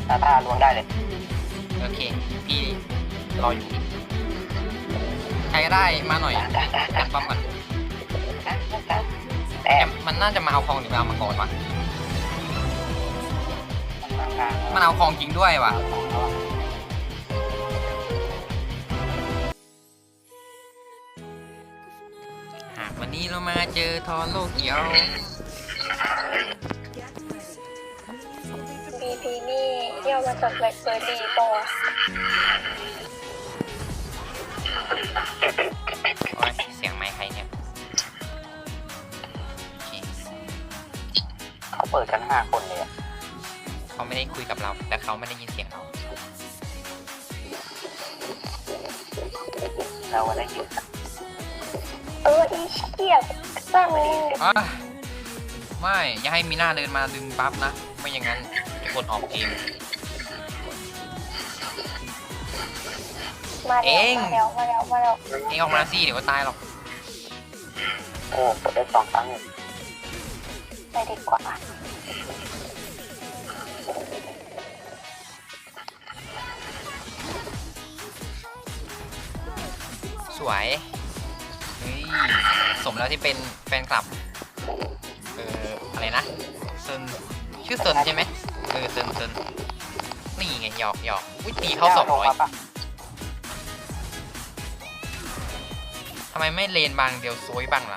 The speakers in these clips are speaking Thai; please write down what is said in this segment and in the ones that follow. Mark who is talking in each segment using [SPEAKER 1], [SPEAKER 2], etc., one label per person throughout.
[SPEAKER 1] ถ้าลวงได้เลย
[SPEAKER 2] โอเคพี่รออยู่ใครก็ได้มาหน่อยจับป้อมก่อนแต่มันน่าจะมาเอาคลองหรือเอามังกรวะมันเอาคลองจริงด้วยวะหากวันนี้เรามาเจอทอนโลกเขียว
[SPEAKER 3] บีนี่ย่อมาจากแบล็คเบอร์รี่ป่ะ
[SPEAKER 2] โอ้ยเสียงไมค์ใครเนี่ย
[SPEAKER 1] เขาเปิดกัน5 คนเลย
[SPEAKER 2] เขาไม่ได้คุยกับเราแต่เขาไม่ได้ยินเสียงเรา
[SPEAKER 1] ได้ยิน
[SPEAKER 3] อีเกียบสร้างเลย
[SPEAKER 2] ไม่อย่าให้มีหน้าเดินมาดึงปั๊บนะไม่อย่างนั้นจะกดออกเอง
[SPEAKER 3] มาแล้วเอง
[SPEAKER 2] ออกมาสิเดี๋ยวก็ตายหรอก
[SPEAKER 1] โอ้กดได้2 ครั้ง
[SPEAKER 3] ไปดีกว่า
[SPEAKER 2] สวยสมแล้วที่เป็นแฟนคลับอะไรนะเซินชื่อเซินใช่ไหมเซินนี่ไงหยอกวิตีเขา200ทำไมไม่เลนบางเดียวซวยบ้างล่ะ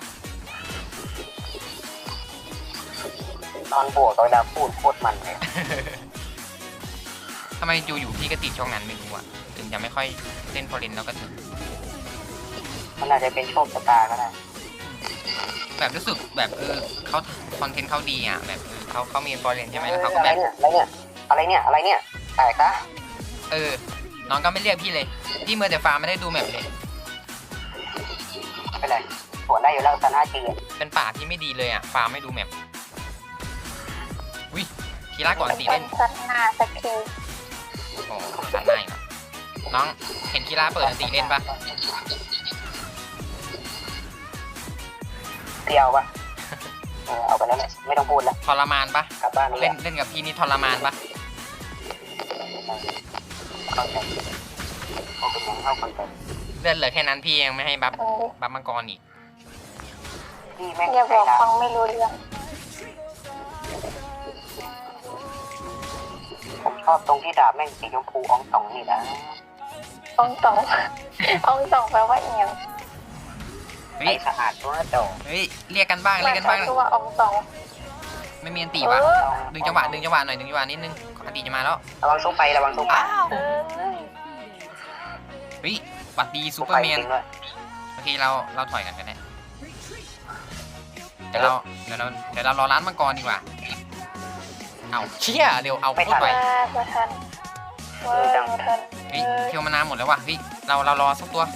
[SPEAKER 1] ตอนบวกเวลาพูดโคตรมันเลย
[SPEAKER 2] ทำไมอยู่พี่ก็ติดช่องนั้นไม่รู้อ่ะถึงจะไม่ค่อยเล่นพอเลนแล้วก็ถึง
[SPEAKER 1] มันอาจจะเป็นโชคชะตาก็ได้
[SPEAKER 2] แบบรู้สึกแบบเขาคอนเทนต์เขาดีอ่ะแบบเขามีฟอร์เรนใช่ไหมแล้วเขาก็แบบ
[SPEAKER 1] อะไรเนี่ยแตกนะ
[SPEAKER 2] น้องก็ไม่เรียกพี่เลยพี่เมื่อแต่ฟาร์มไม่ได้ดูแมปเลย
[SPEAKER 1] ไม่เป็นไรสวนได้อยู่แล้วซัน5G
[SPEAKER 2] เป็นป่าที่ไม่ดีเลยอ่ะฟาร์มไม่ดูแมปวิทีละก่อนตีเล่น
[SPEAKER 3] ซันหน้าสักที
[SPEAKER 2] โอ้ซันหน้าอีกน้องเห็นทีละเปิดตีเล่นปะ
[SPEAKER 1] เที่ยวปะเอาไปแล้วเนี่ยไม่ต้องพูดแล้ว
[SPEAKER 2] ทรมานปะ
[SPEAKER 1] กลับบ้าน
[SPEAKER 2] เล่นกับพี่นี่ทรมานปะ
[SPEAKER 1] เข้าใจเอาเป็นยังเข้าคอนเซ็ปต์
[SPEAKER 2] เลือดเหลือแค่นั้นพี่ยังไม่ให้บัฟมังกรอีก
[SPEAKER 1] พี่แม่ง
[SPEAKER 3] อย่าบอกฟังไม่รู้เรื่อง
[SPEAKER 1] ผมชอบตรงที่ดาบแม่งสีชมพูอ่องนี่นะ
[SPEAKER 3] อ่องแปลว่าเอียง
[SPEAKER 1] ไอ้สะอาดตัวโต
[SPEAKER 2] เรียกกันบ้าง
[SPEAKER 3] ตัวอ่อง
[SPEAKER 2] ไม่มีอันตีวะดึงจังหวะหน่อยดึงจังหวะนิดนึงอันตีจะมาแล้ว
[SPEAKER 1] ระวังซุปไประวังซุปไป
[SPEAKER 2] บัดดีซูเปอร์แมนโอเคเราถอยกันได้เดี๋ยวเรารอร้านมังกรดีกว่าเอาเชี่ยเร็วเอาพูดไปเที่ยวมานานหมดแล้วว่ะเรารอสักตัว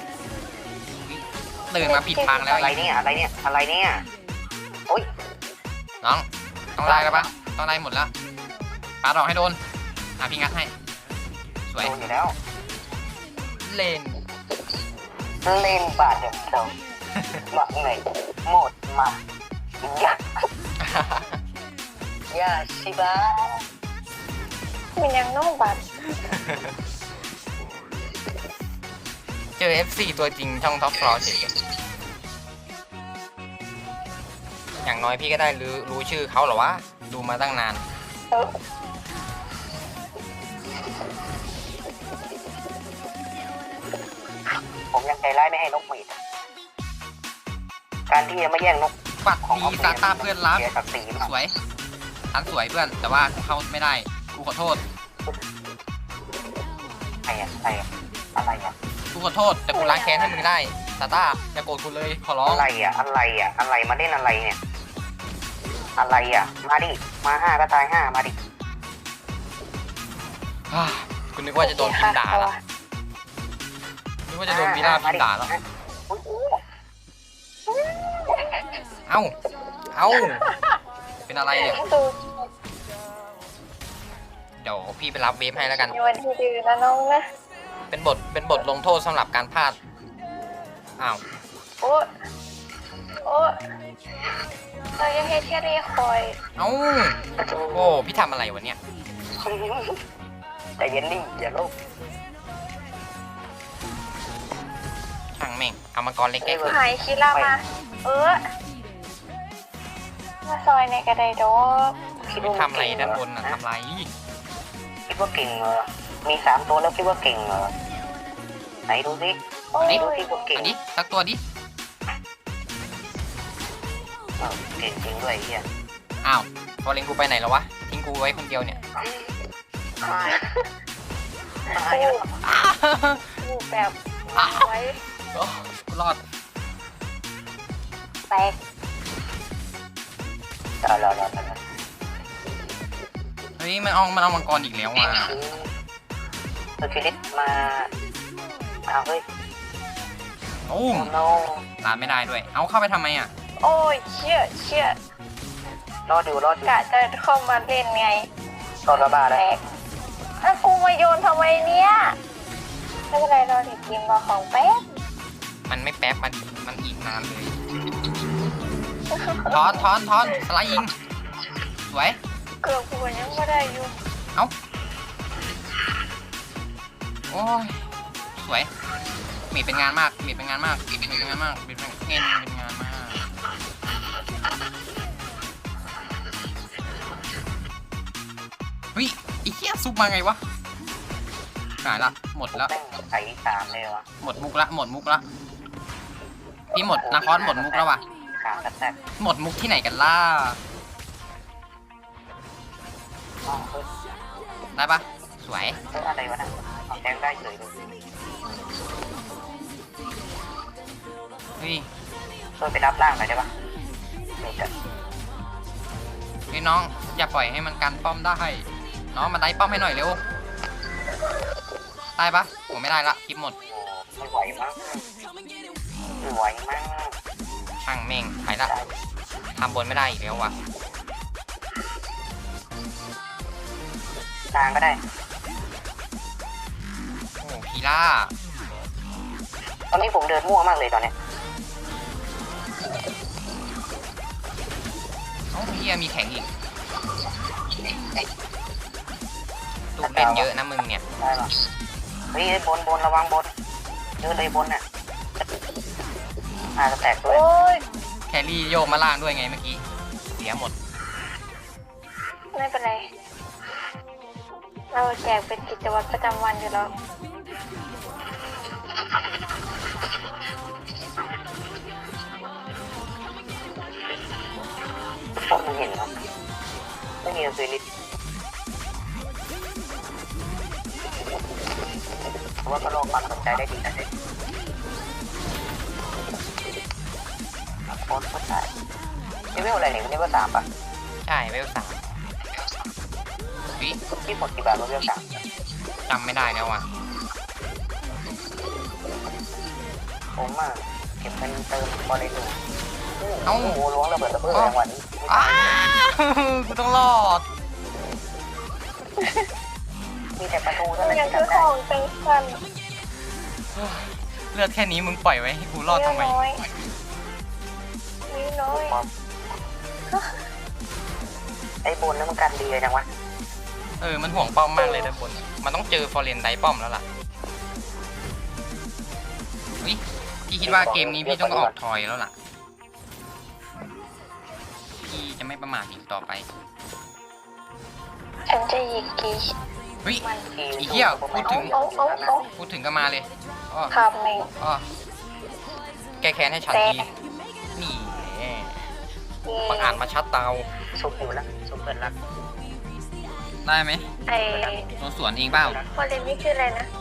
[SPEAKER 2] ตื่นมาผิดทางแล้ว
[SPEAKER 1] อะไรเนี่ยโอ้ย
[SPEAKER 2] น้องต้องไล่แล้วปะต้องไล่หมดแล้วปาดอกให้โดนพี่งัดให้สวย
[SPEAKER 1] อยู่แล้ว
[SPEAKER 2] เลน
[SPEAKER 1] บาดเจ็บเจ้าหมักไหนหมดมาอย่าชิบะ
[SPEAKER 3] มันยังน้องบัด
[SPEAKER 2] เจอ FC ตัวจริงช่องท็อปฟลอร์เฉยอย่างน้อยพี่ก็ได้รู้ชื่อเขาหรอวะดูมาตั้งนาน
[SPEAKER 1] ผมยังใจร้ายไม่ให้นกหมีดการที่จะไม่แย่งนก
[SPEAKER 2] ปัดดีซาตาเพื่อนรักสวยทันสวยเพื่อนแต่ว่าเข้าไม่ได้กูขอโทษ
[SPEAKER 1] อะไร
[SPEAKER 2] กูขอโทษแต่กูล้างแค้นให้มึงได้ซาตาอย่าโกรธกูเลยขอร้อง
[SPEAKER 1] อะไรมาเล่นอะไรเนี่ยมาดิมา5ก็ตาย5มาดิ
[SPEAKER 2] คุณนึกว่าจะโดนพิมพ์ด่าแล้วนึกว่าจะโดนมีล่าพิมพ์ด่าแล้วเอ้าเป็นอะไรเนี่ยเดี๋ยวพี่ไปรับเวฟให้แล้วกัน
[SPEAKER 3] วันที่ดื้อนะน้องนะ
[SPEAKER 2] เป็นบทลงโทษสำหรับการพลาด
[SPEAKER 3] โอ้เรายังให้เทียรี่คอย
[SPEAKER 2] โอ้พี่ทำอะไรวะเนี่ย
[SPEAKER 1] แต่เย็นนี่อย่าโลภ
[SPEAKER 2] ช่างแม่งเอามังกรเล็กแก้เกิน
[SPEAKER 3] หายคิรามามาซอยในกระไดดอก
[SPEAKER 1] คิด
[SPEAKER 2] ไม่
[SPEAKER 1] ว่า
[SPEAKER 2] ทำอะไรด้านบนน่ะทำไร
[SPEAKER 1] คิดว่าเก่งเหรอมี3 ตัวแล้วคิดว่าเก่งเหรอไหนดูสิ
[SPEAKER 3] โอ้ย
[SPEAKER 1] ไหนดูสิว่าเก่ง
[SPEAKER 2] อันนี้สักตัวดิ
[SPEAKER 1] เก่งจริงด้วยไอ้เฮีย
[SPEAKER 2] อ้าวฟอเรนกูไปไหนแล้ววะทิ้งกูไว้คนเดียวเนี่ย
[SPEAKER 1] ตายแล้ว
[SPEAKER 3] พูดแบบไว้
[SPEAKER 2] โอ้กูรอด
[SPEAKER 3] แตก
[SPEAKER 1] รอ
[SPEAKER 2] เฮ้ยมันเอามังกรอีกแล้วว่ะ
[SPEAKER 1] เซอร์คิลิสมาเอาเฮ้ย
[SPEAKER 2] โอ้
[SPEAKER 1] โอ้
[SPEAKER 2] ม
[SPEAKER 1] โน
[SPEAKER 2] ลานไม่ได้ด้วยเอาเข้าไปทำไมอ่ะ
[SPEAKER 3] โอ้ยเชี่ย
[SPEAKER 1] รอดอยู่
[SPEAKER 3] กะจะเข้ามาเล่นไง
[SPEAKER 1] รอดระบาด
[SPEAKER 3] แต
[SPEAKER 1] แล้ว
[SPEAKER 3] กแล้วกูมาโยนทำไมเนี่ยไม่เป็นไรรอเด็กกินมาของแป๊บ
[SPEAKER 2] มันไม่แป๊บมันอีกนานเลยทอนสไลด์ยิงสวย
[SPEAKER 3] เกือบกูยังไม่ได้อยู่
[SPEAKER 2] เอ้าโอ้ยสวยมีเป็นงานมากมีเป็นงานมากมีเป็นงานมากมีเป็นเงินเป็นงานมากเฮ้ยไอ้เหี้ยซุปมาไงวะหายละหมดแล้ว
[SPEAKER 1] แม่งใส่3เลยวะ
[SPEAKER 2] หมดมุกละพี่หมดนาคอสหมดมุกแล้วว่ะ
[SPEAKER 1] ขาแตก
[SPEAKER 2] หมดมุกที่ไหนกันล่ะ
[SPEAKER 1] อ๋อเฮ้ย
[SPEAKER 2] ได้ปะสวย
[SPEAKER 1] อะไรวะนะเอาแทงได้เฉยเลย
[SPEAKER 2] เฮ้ย
[SPEAKER 1] ช่วยไปรับร่างหน่อยได้ปะเดี๋ยวจะ
[SPEAKER 2] พี่น้องอย่าปล่อยให้มันกันป้อมได้น้องมาได้ป้อมให้หน่อยเร็วได้ปะผมไม่ได้ละคลิปหมด
[SPEAKER 1] โอ้ไม่ไหวมั้งไม่ไหวมั้ง
[SPEAKER 2] ช่างแม่งไปละทำบนไม่ได้อีกแล้วว่ะ
[SPEAKER 1] ทางก็ได้
[SPEAKER 2] โอ้พีล่า
[SPEAKER 1] ตอนนี้ผมเดินมั่วมากเลยตอนเนี้ย
[SPEAKER 2] เอ้าเฮียมีแข่งอีกตูเล่นเยอะนะมึงเนี่ย
[SPEAKER 1] ได้ปะเฮ้ยบนระวังบนเยอะเลยบนน่ะจะแตกด้วย
[SPEAKER 3] โอ้ย
[SPEAKER 2] แครี่โยกมาล่างด้วยไงเมื่อกี้เสียหมด
[SPEAKER 3] ไม่เป็นไรเราแจกเป็นกิจวัตรประจำวันอยู่แล้ว
[SPEAKER 1] พวกมึงเห็นครับไม่มีเซริสเพราะว่าก็โลกความสนใจได้ดีนะเด็กโคตรตายเลเวลอะไรเนี่ยเลเวล3ป่ะ
[SPEAKER 2] ใช่เวล3วิ
[SPEAKER 1] ที่หมดกี่บาทเลเวล3
[SPEAKER 2] จำไม่ได้แล้วว่ะ
[SPEAKER 1] ผมอ่ะเก็บเงินเติมบอลเลยดูโอ้โหล้วงระเบิดระเบิดแรงวันนี้
[SPEAKER 2] อ้าวกูต้องรอด
[SPEAKER 1] มีแต่ประตูเท่านั้น
[SPEAKER 3] ยัง
[SPEAKER 1] ที่
[SPEAKER 3] คือ
[SPEAKER 1] ทำ
[SPEAKER 3] ข
[SPEAKER 1] ได้
[SPEAKER 3] องเป็นกัน
[SPEAKER 2] เลือดแค่นี้มึงปล่อยไว้ให้กูรอดทำไม
[SPEAKER 3] น้อยน้อย
[SPEAKER 1] ไอ้บนนั้นมันกันดีเลยจังวะ
[SPEAKER 2] มันห่วงป้อมมากเลยด้านบนมันต้องเจอฟอร์เรนไดป้อมแล้วล่ะวิพี่คิดว่าเกมนี้พี่ต้องออกทอยแล้วล่ะพี่จะไม่ประมาทอีกต่อไป
[SPEAKER 3] ฉันจะหยิกกี
[SPEAKER 2] เฮ้ย
[SPEAKER 3] มัน
[SPEAKER 2] อีเหี้ยพูดถึง
[SPEAKER 3] เอา
[SPEAKER 2] พูดถึงก็มาเลยอ้อ
[SPEAKER 3] ทำเอง
[SPEAKER 2] อ้อแก้แค้นให้ฉันทีนี่แหละบังอาจมาชัดเตา
[SPEAKER 1] สุกอยู่แล้วสุกเกินละ
[SPEAKER 2] ได้ไหม
[SPEAKER 3] ไอ้
[SPEAKER 2] ตัวสวนเองเปล่า
[SPEAKER 3] พอเลนนี่ชื่ออะไรนะ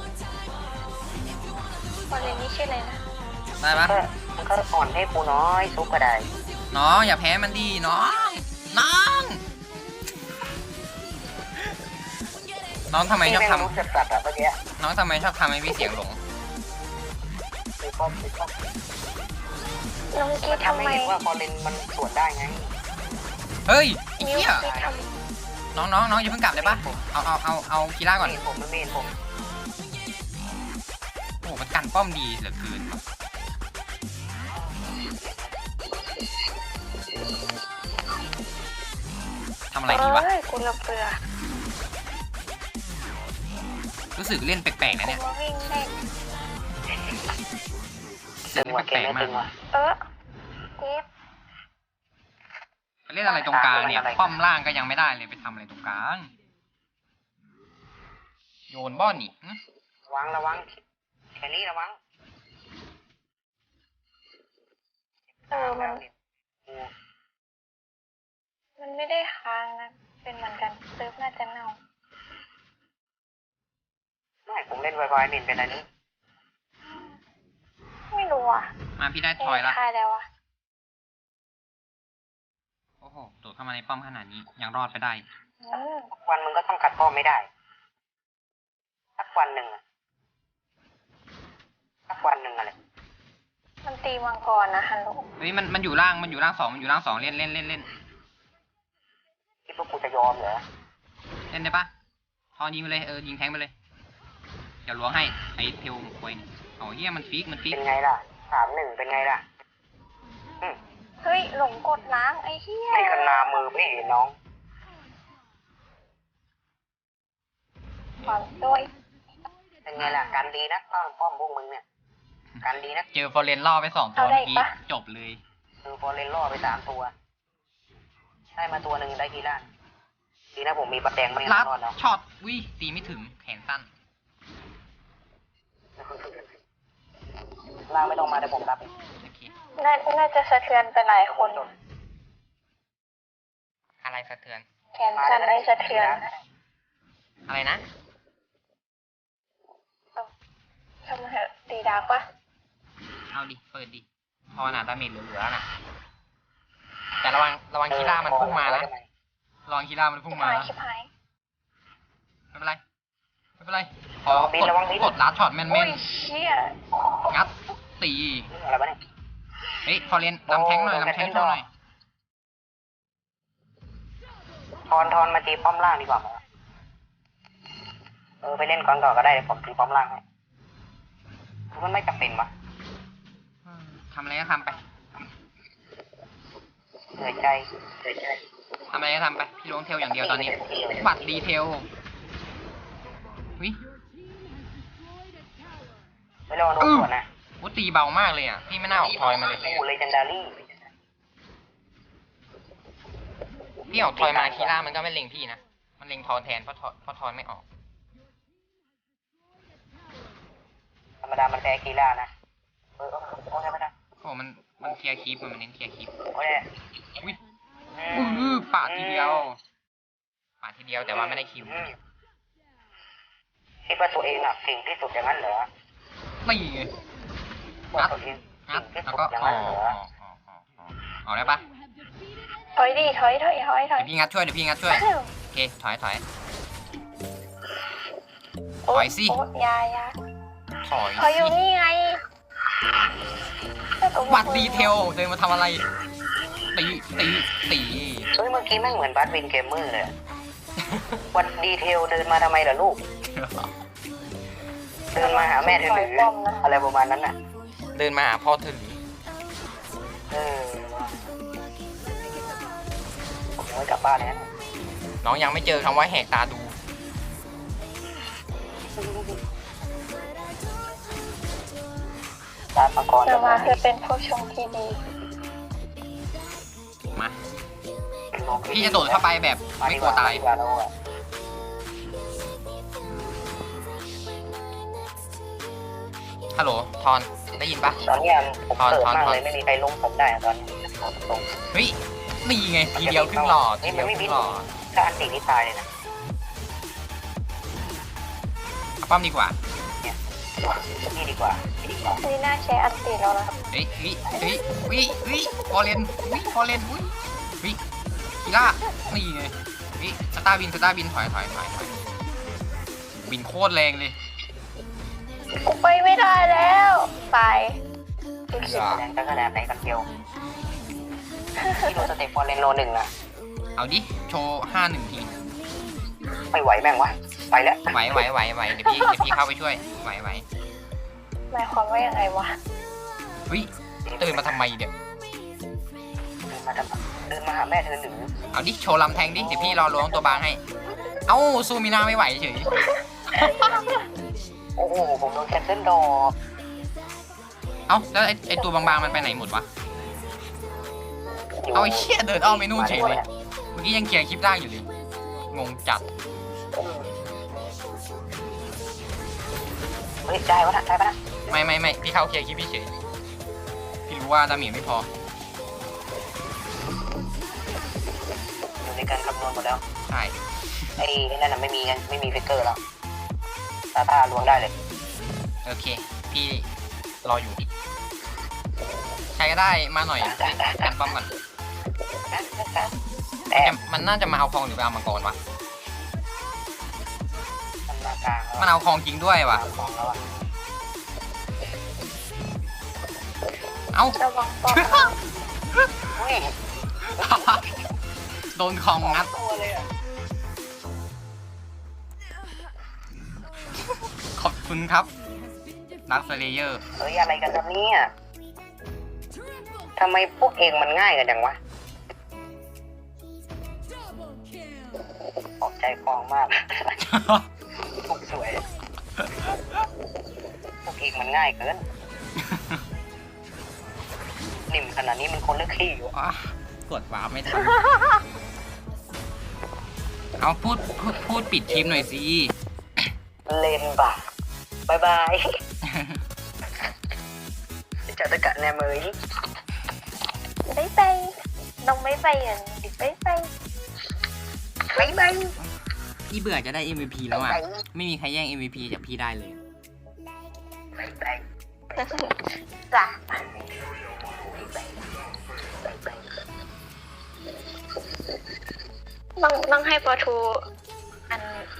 [SPEAKER 3] พอเลนนี่ชื่ออะไรนะ
[SPEAKER 2] ได้ปะ
[SPEAKER 1] มันก็อ่อนให้กูน้อยซุกก็ได้
[SPEAKER 2] น้องอย่าแพ้มันดีน้องน้องทำไมชอบ
[SPEAKER 1] แม่ง
[SPEAKER 2] ทำ
[SPEAKER 1] รู้สึกสัตว์อะเมื่อกี้
[SPEAKER 2] น้องทำไมชอบทำให้พี่เสียงหลง
[SPEAKER 1] คือป้อม
[SPEAKER 3] น้องกี
[SPEAKER 1] มัน
[SPEAKER 3] ทำ
[SPEAKER 1] ทำ
[SPEAKER 3] ไม
[SPEAKER 1] ให้เห็นว่าพอเลนมันสวนได้ไง
[SPEAKER 2] เฮ้ยไอ้
[SPEAKER 3] นิ้ว
[SPEAKER 2] เหี้ย
[SPEAKER 3] กีท
[SPEAKER 2] น้องอย่าเพิ่งกลับเลยปะเอาคีร่าก่อน
[SPEAKER 1] ไม่เห็นผมมันไม่เห็นผม
[SPEAKER 2] โอ้มันกันป้อมดีเหลือเกินว่ะทำ
[SPEAKER 3] ำ
[SPEAKER 2] อะไรดีวะ
[SPEAKER 3] เอ้ยกูระเบื่อ
[SPEAKER 2] รู้สึกเล่นแปลกๆนะเนี่ย
[SPEAKER 3] มาวิ่งเล่น
[SPEAKER 2] เสียงแปลกๆมาก
[SPEAKER 3] เจ็บ
[SPEAKER 2] ไปเล่นอะไรตรงกลางเนี่ยป้อมล่างก็ยังไม่ได้เลยไปทำอะไรตรงกลางโยนบ้อนนี่
[SPEAKER 1] ระวังแคลรี่ระวัง
[SPEAKER 3] มันไม่ได้ค้างนะเป็นเหมือนกันเซิร์ฟน่าจะเน่า
[SPEAKER 1] ไม่ผมเล่นไวๆมินเป็นอันนี้
[SPEAKER 3] ไม่รู้อ่ะ
[SPEAKER 2] มาพี่ได้ทอยละ
[SPEAKER 3] ค่ายแล้วอ่ะ
[SPEAKER 2] โอ้โหโดดเข้ามาในป้อมขนาดนี้ยังรอดไปได้
[SPEAKER 1] สักวันมึงก็ต้องกัดป้อมไม่ได้สักวันหนึ่งอะไร
[SPEAKER 3] มันตีมังกรนะฮัลโหล
[SPEAKER 2] เฮ้ยมันอยู่ล่างสองเล่น
[SPEAKER 1] คิดว่ากูจะยอมเหรอ
[SPEAKER 2] เล่นได้ปะทอนยิงไปเลยยิงแทงไปเลยเดี๋ยวล้วงให้ไอเทลควยนี่เอาเฮียมันฟิก
[SPEAKER 1] เป็นไงล่ะ3-1เป็นไงล่ะ
[SPEAKER 3] เฮ้ยหลงกดล้างไอ้เหี้ย
[SPEAKER 1] นี่ขนามือพี่น้อง
[SPEAKER 3] ความด้วย
[SPEAKER 1] เป็นไงล่ะการดีนะป้อมพวกมึงเนี่ยการดีนะ
[SPEAKER 2] เจอฟอร์เรนล่อไป2 ตัวเมื่อกี้จบเลย
[SPEAKER 1] คือพอเล่นล่อไป3 ตัวได้มาตัวหนึ่งได้กีล่าดีนะผมมีประแดงไม่
[SPEAKER 2] รัด
[SPEAKER 1] รอดแล้ว
[SPEAKER 2] ช็อตวิตีไม่ถึงแขนสั้น
[SPEAKER 1] ล่างไม่ต้องมาเดี๋ยวผมรับ
[SPEAKER 2] โอเค
[SPEAKER 3] น่าจะสะเทือนไปหลายคน
[SPEAKER 2] อะไรสะเทือน
[SPEAKER 3] แขนสั่นได้สะเทือน
[SPEAKER 2] อะไรนะ
[SPEAKER 3] ทำไมเหอะตีดาร์กปะ
[SPEAKER 2] เอาดิเปิดดิพอหนาดาเมจเหลือๆนะแต่ระวังคีร่ามันพุ่งมานะระวังคีร่ามันพุ่งมานะ
[SPEAKER 3] ชิบหาย
[SPEAKER 2] ไม่เป็นไรพอกดลัดช็อตแม่
[SPEAKER 3] อุ้
[SPEAKER 2] น
[SPEAKER 3] ยเชี่ย
[SPEAKER 2] ๆงัดตี
[SPEAKER 1] อะไรวะเนี่ย
[SPEAKER 2] เฮ้ยฟอร์เรนลำแทงหน่อยโชว์หน่อย
[SPEAKER 1] ทอนมาตีป้อมล่างดีกว่าไปเล่นก่อนก็ได้เดี๋ยวผมตีป้อมล่างให้มันไม่จำเป็นวะ
[SPEAKER 2] ทำอะไรก็ทำไป
[SPEAKER 1] เหนื่อยใจ
[SPEAKER 2] ทำอะไรก็ทำไปพี่ล้วงเทลอย่างเดียวตอนนี้บัตรดีเทลวิ
[SPEAKER 1] ไม่รอโดนก่อนนะ
[SPEAKER 2] วุ้ตีเบามากเลยอ่ะพี่ไม่น่าออกทอยมาเลย
[SPEAKER 1] กูเลเจนดารี่
[SPEAKER 2] พี่ออกทอยมาคีร่ามันก็ไม่เล็งพี่นะมันเล็งทอนแทนเพราะทอยไม่ออก
[SPEAKER 1] ธรรมดามันแพ้กีฬานะโอ้ยไม่ได้
[SPEAKER 2] โอ้มันเคลียร์คลิปมันเน้นเคลียร์คลิป
[SPEAKER 1] โอ้ย
[SPEAKER 2] วิปาดทีเดียวแต่ว่าไม่ได้คิว
[SPEAKER 1] คิดว่าตัวเองเก่งที่สุดอย่างนั้นเหรอ
[SPEAKER 2] ไม่ไง
[SPEAKER 1] ว่าตัวเอง
[SPEAKER 2] งัด
[SPEAKER 1] เก่งที่
[SPEAKER 2] แล้ว
[SPEAKER 1] สุด
[SPEAKER 2] ก็
[SPEAKER 1] อย่าง
[SPEAKER 2] อ
[SPEAKER 1] นั้น
[SPEAKER 2] อก
[SPEAKER 1] เหรอ
[SPEAKER 2] ออกได้ปะ
[SPEAKER 3] ถอยดิถอย
[SPEAKER 2] เดี๋ยวพี่งัดช่วยโอเคถอยถอยสิ
[SPEAKER 3] โอ๊ยยา
[SPEAKER 2] ถอย
[SPEAKER 3] ถอยอยู่นี่ไง
[SPEAKER 2] วัดดีเทลเดินมาทำอะไรตี
[SPEAKER 1] เฮ้ยเมื่อกี้แม่งเหมือนบัสวินเกมเมอร์เลยวัดดีเทลเดินมาทำไมล่ะลูกเดินมาหาแม่เธอหรืออะไรประมาณนั้นน่ะ
[SPEAKER 2] เดินมาหาพ่อเธอหรือ
[SPEAKER 1] ผมยังไม่กลับบ้านเลยนะ
[SPEAKER 2] น้องยังไม่เจอคำว่าแหกตาดู
[SPEAKER 1] ตาปกรณ์
[SPEAKER 3] จะมาคือเป็นผู้ชมที่ดี
[SPEAKER 2] มาพี่จะโดดเข้าไปแบบไม่กลัวตายฮัลโหลทอนได้ยินปะ
[SPEAKER 1] ตอนนี้ผมเกิดมากเลยไม่มีใครลงผมได้ตอนนี้ตรง
[SPEAKER 2] เฮ้ยนี่ไงทีเดียวครึ่งหลอด
[SPEAKER 1] ถ้าอันตีนี่ตายเลยนะ
[SPEAKER 2] ป้อมดีกว่า
[SPEAKER 1] นี่ดีกว่า
[SPEAKER 3] นี่น่าใช้อันตีแล้วนะ
[SPEAKER 2] เฮ้ยฟอร์เรนกีล่านี่ไงสตาร์บินถอยบินโคตรแรงเลย
[SPEAKER 3] กูไปไม่ได้แล้วตาย
[SPEAKER 1] แรงขนาดไหนกันเดียวที่โดนสเต็ปฟอร์เรนโล1นะ
[SPEAKER 2] เอาดิโชว์5-1ที
[SPEAKER 1] ไม่ไหวแม่งวะไปแล้ว
[SPEAKER 2] ไหวเดี๋ยวพี่เข้าไปช่วยไหว
[SPEAKER 3] หมายความว่ายังไงวะ
[SPEAKER 2] เฮ้ยตื่นมาทำไมเดี๋ยว
[SPEAKER 1] เดินมาหาแม่เธอหรือ
[SPEAKER 2] เอาดิโชว์ลำแทงดิเดี๋ยวพี่รอล้วงตัวบางให้เอ้าซูมินาไม่ไหวเฉย
[SPEAKER 1] โอ้โหผมโดนแคนเซิลดอก
[SPEAKER 2] เอ้าแล้วไอ้ตัวบางๆมันไปไหนหมดวะเอาไอ้เชี่ยเดินอ้อมไปนู่นเฉยเลยเมื่อกี้ยังเคลียร์คลิปได้อยู่เลยงงจัด
[SPEAKER 1] เฮ้ยได้ปะนะได้ปะนะ
[SPEAKER 2] ไม่พี่เข้าเคลียร์คลิปพี่เฉยพี่รู้ว่าดาเมจไม่พอ
[SPEAKER 1] อยู่ในการคำนวณหมดแล้ว
[SPEAKER 2] ใช่
[SPEAKER 1] ไอ้นั่นน่ะไม่มีฟิกเกอร์แล้วตาล้วงได้เลย
[SPEAKER 2] โอเคพี่รออยู่ใครก็ได้มาหน่อยกันป้อมก่อน
[SPEAKER 1] แต่
[SPEAKER 2] มันน่าจะมาเอาคลองหรือไปเอามังกรวะ
[SPEAKER 1] มันมากลางแล้ว
[SPEAKER 2] มันเอาคลองจริงด้วยว่ะ
[SPEAKER 1] ของแล้วอ่ะ
[SPEAKER 2] เอ้า
[SPEAKER 3] ระวังปอม
[SPEAKER 1] อุ้ย
[SPEAKER 2] โดนคลองงัด
[SPEAKER 1] ตัวเลยอ่ะ
[SPEAKER 2] ขอบคุณครับดักสเลเยอร์
[SPEAKER 1] เฮ้ยอะไรกันครับเนี่ยทำไมพวกเองมันง่ายกันจังวะออกใจฟองมากพวกสวยพวกเองมันง่ายเกินนิ่มขนาดนี้มันคนเลือกขี้อยู่
[SPEAKER 2] กดวาร์ปไม่ทัน เอาพูดปิดคลิปหน่อยสิ
[SPEAKER 1] เลนบ่ะบายบายจัดตะกะแนมเลย
[SPEAKER 3] ไม่ไปน้องไม่ไปอ่ะดิไม่ไป
[SPEAKER 1] บายบาย
[SPEAKER 2] พี่เบื่อจะได้ MVP แล้วอ่ะ ไม่มีใครแย่ง MVP จากพี่ได้เลย
[SPEAKER 1] บายบาย
[SPEAKER 3] จ้ะต้องให้ปอทูอัน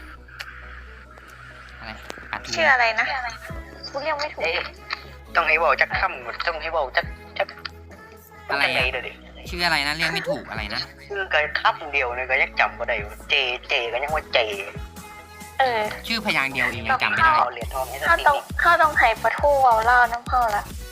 [SPEAKER 2] อะไรอัดทู
[SPEAKER 3] ชื่ออะไรนะกูเรียกไม่ถูก
[SPEAKER 1] เอ๊ะต้องให้บอกจักค่ำหมดต้องให้บอกจัก
[SPEAKER 2] อะไร
[SPEAKER 1] จักไหน
[SPEAKER 2] อ่ะ
[SPEAKER 1] เดี๋ยวดิ
[SPEAKER 2] ชื่ออะไรนะเรียกไม่ถูกอะไรนะ
[SPEAKER 1] ชื่อก็ค่ำเดียวเนี่ยก็ยังจำก็ได้อยู่เจก็ยังว่าเจ
[SPEAKER 2] ชื่อพยางค์เดียวเองยังจำไม่ได้
[SPEAKER 1] เอาเหรียญทองให้สัก
[SPEAKER 3] เข้า
[SPEAKER 1] ที
[SPEAKER 3] ต้องให้ปอทูเอาเล่าน้ำเข้าละ